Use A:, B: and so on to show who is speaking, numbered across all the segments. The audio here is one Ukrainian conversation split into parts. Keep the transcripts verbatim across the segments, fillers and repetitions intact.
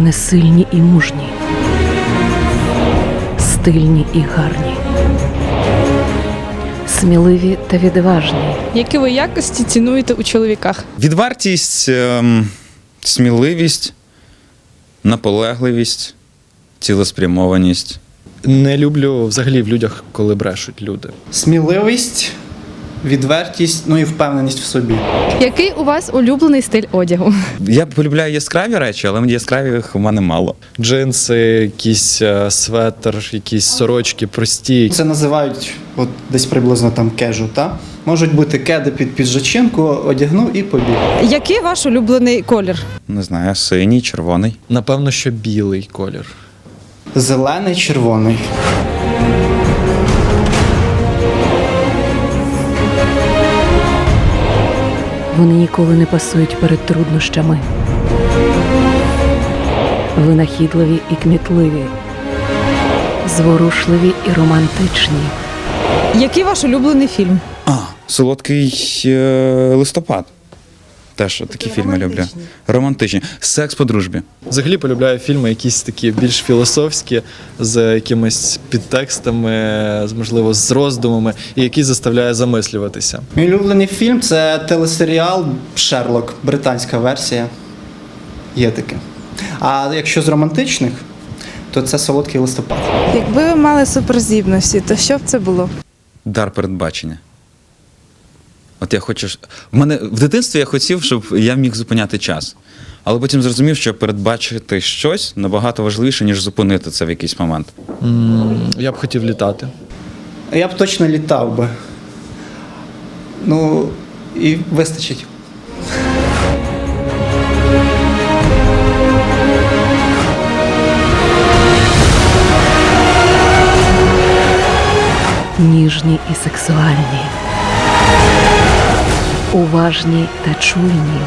A: Вони сильні і мужні, стильні і гарні, сміливі та відважні.
B: Які ви якості цінуєте у чоловіках?
C: Відвертість, ем, сміливість, наполегливість, цілеспрямованість.
D: Не люблю взагалі в людях, коли брешуть люди.
E: Сміливість, відвертість, ну і впевненість в собі.
B: Який у вас улюблений стиль одягу?
C: Я полюбляю яскраві речі, але яскравих у мене мало.
D: Джинси, якийсь е, светр, якісь сорочки прості.
E: Це називають от десь приблизно там кежу, та? Можуть бути кеди під піджачинку, одягнув і побіг.
F: Який ваш улюблений колір?
C: Не знаю, синій, червоний.
D: Напевно, що білий колір.
E: Зелений, червоний.
A: Вони ніколи не пасують перед труднощами. Винахідливі і кмітливі, зворушливі і романтичні.
F: Який ваш улюблений фільм?
C: А, солодкий е, листопад. Теж такі фільми люблю. Романтичні. Секс по дружбі.
D: Взагалі полюбляю фільми якісь такі більш філософські, з якимись підтекстами, з, можливо, з роздумами, і які заставляє замислюватися.
E: Мій улюблений фільм – це телесеріал «Шерлок», британська версія. Є таке. А якщо з романтичних, то це «Солодкий листопад».
G: Якби ви мали суперздібності, то що б це було?
C: Дар передбачення. От я хочу. ж- В мене в дитинстві я хотів, щоб я міг зупиняти час. Але потім зрозумів, що передбачити щось набагато важливіше, ніж зупинити це в якийсь момент.
D: М, Я б хотів літати.
E: Я б точно літав би. Ну, і вистачить.
A: Ніжні і сексуальні, уважні та чуйні.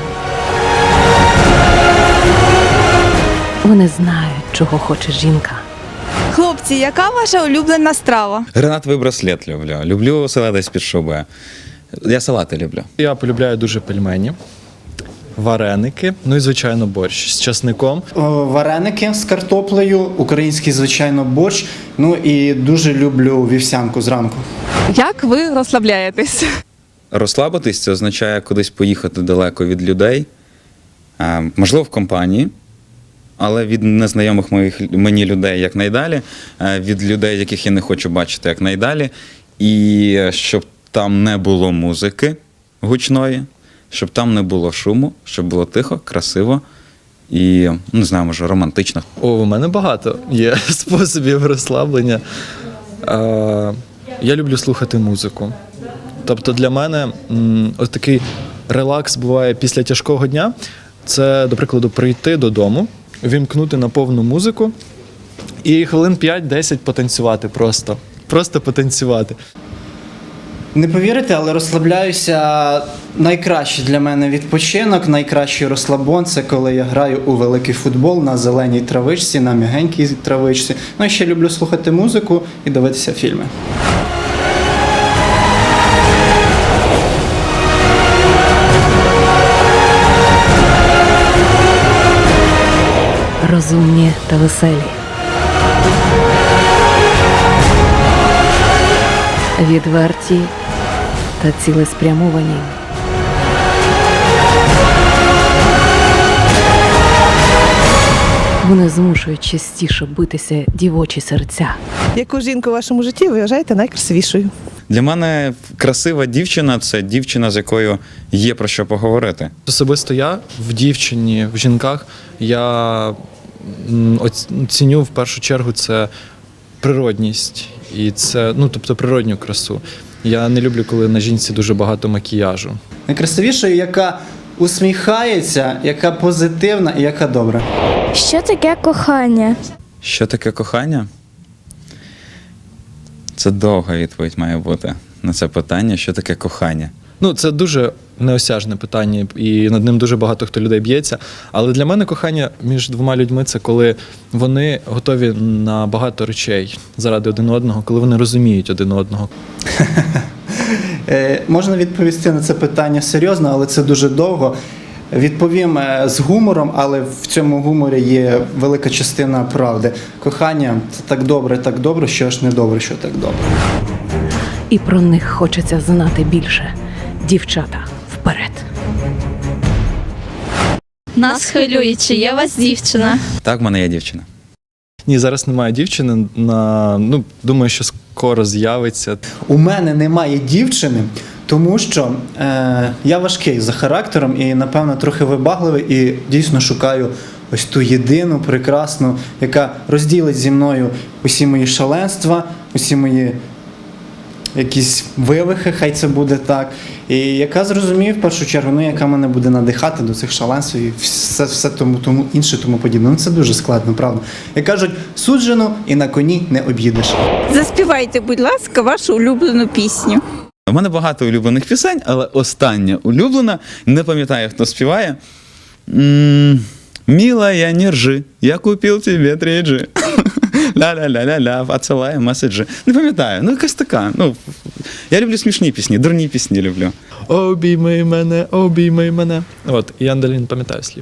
A: Вони знають, чого хоче жінка.
G: Хлопці, яка ваша улюблена страва?
C: Гранатовий браслет люблю. Люблю салати з-під шуби. Я салати люблю.
D: Я полюбляю дуже пельмені, вареники, ну і, звичайно, борщ з часником.
E: О, Вареники з картоплею, український, звичайно, борщ. Ну і дуже люблю вівсянку зранку.
F: Як ви розслабляєтесь?
C: Розслабитись це означає кудись поїхати далеко від людей, а, можливо, в компанії, але від незнайомих моїх, мені людей якнайдалі, а, від людей, яких я не хочу бачити якнайдалі, і щоб там не було музики гучної, щоб там не було шуму, щоб було тихо, красиво і, не знаю, може, романтично.
D: О, у мене багато є способів розслаблення. Е, Я люблю слухати музику. Тобто для мене м, ось такий релакс буває після тяжкого дня. Це, до прикладу, прийти додому, вімкнути на повну музику і хвилин п'ять-десять потанцювати просто. Просто потанцювати.
E: Не повірите, але розслабляюся. Найкращий для мене відпочинок, найкращий розслабон – це коли я граю у великий футбол на зеленій травичці, на м'ягенькій травичці. Ну і ще люблю слухати музику і дивитися фільми.
A: Розумні та веселі. Відверті та цілеспрямовані. Вони змушують частіше битися дівочі серця.
F: Яку жінку у вашому житті ви вважаєте найкрасивішою?
C: Для мене красива дівчина – це дівчина, з якою є про що поговорити.
D: Особисто я в дівчині, в жінках, я м, оц- ціню в першу чергу це природність. І це, ну, тобто природню красу. Я не люблю, коли на жінці дуже багато макіяжу.
E: Найкрасивішою, яка усміхається, яка позитивна і яка добра.
H: Що таке кохання?
C: Що таке кохання? Це довга відповідь має бути на це питання, що таке кохання.
D: Ну, це дуже неосяжне питання, і над ним дуже багато хто людей б'ється. Але для мене кохання між двома людьми – це коли вони готові на багато речей заради один одного, коли вони розуміють один одного.
E: Е, можна відповісти на це питання серйозно, але це дуже довго. Відповім е, з гумором, але в цьому гуморі є велика частина правди. Кохання це так добре, так добре, що ж не добре, що так добре.
A: І про них хочеться знати більше. Дівчата, вперед!
I: Нас хвилює, чи є у вас дівчина?
C: Так, в мене є дівчина.
D: Ні, зараз немає дівчини. На, ну, думаю, що скоро з'явиться.
E: У мене немає дівчини, тому що е, я важкий за характером і, напевно, трохи вибагливий і дійсно шукаю ось ту єдину, прекрасну, яка розділить зі мною усі мої шаленства, усі мої якісь вивихи, хай це буде так. І яка зрозуміє в першу чергу, ну яка мене буде надихати до цих шаленств і все, все тому, тому інше, тому подібне. Ну це дуже складно, правда. Як кажуть, суджено і на коні не об'їдеш.
G: Заспівайте, будь ласка, вашу улюблену пісню.
C: У мене багато улюблених пісень, але остання улюблена, не пам'ятаю, хто співає. М, Милая, не ржи, я купив тобі три джі. Ля-ля-ля-ля-ля, отсилаю меседжі. Не пам'ятаю, ну якась така. Ну, я люблю смішні пісні, дурні пісні люблю.
D: Обійми мене, обійми мене. От, і Андалін пам'ятає слів.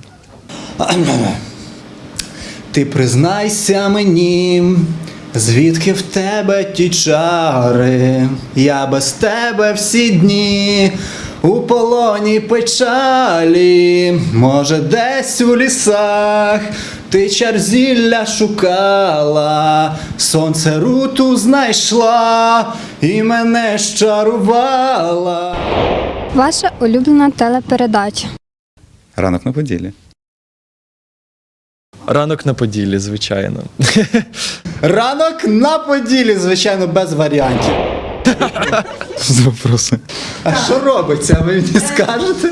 E: Ти признайся мені, звідки в тебе ті чари, я без тебе всі дні у полоні печалі, може десь у лісах ти чар зілля шукала, сонце руту знайшла і мене щарувала.
H: Ваша улюблена телепередача.
C: Ранок на Поділлі.
D: Ранок на Поділлі, звичайно.
E: Ранок на Поділі, звичайно, без варіантів.
C: З вопроси.
E: А що робиться, ви мені скажете?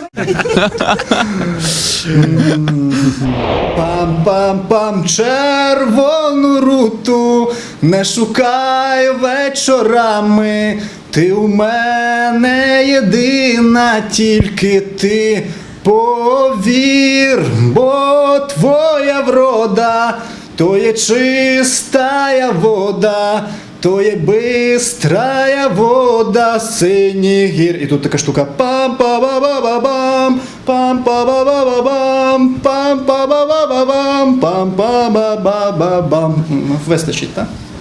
E: Пам-пам-пам, червону руту не шукай вечорами. Ти у мене єдина, тільки ти повір, бо твоя врода то є чистая вода, то є бистрая вода синіх гір. І тут така штука пам-па-ба-ба-ба-бам, пам-па-ба-ба-ба-бам, пам-па-ба-ба-ба-бам, пам-па-ба-ба-ба-бам. Вистачить, так?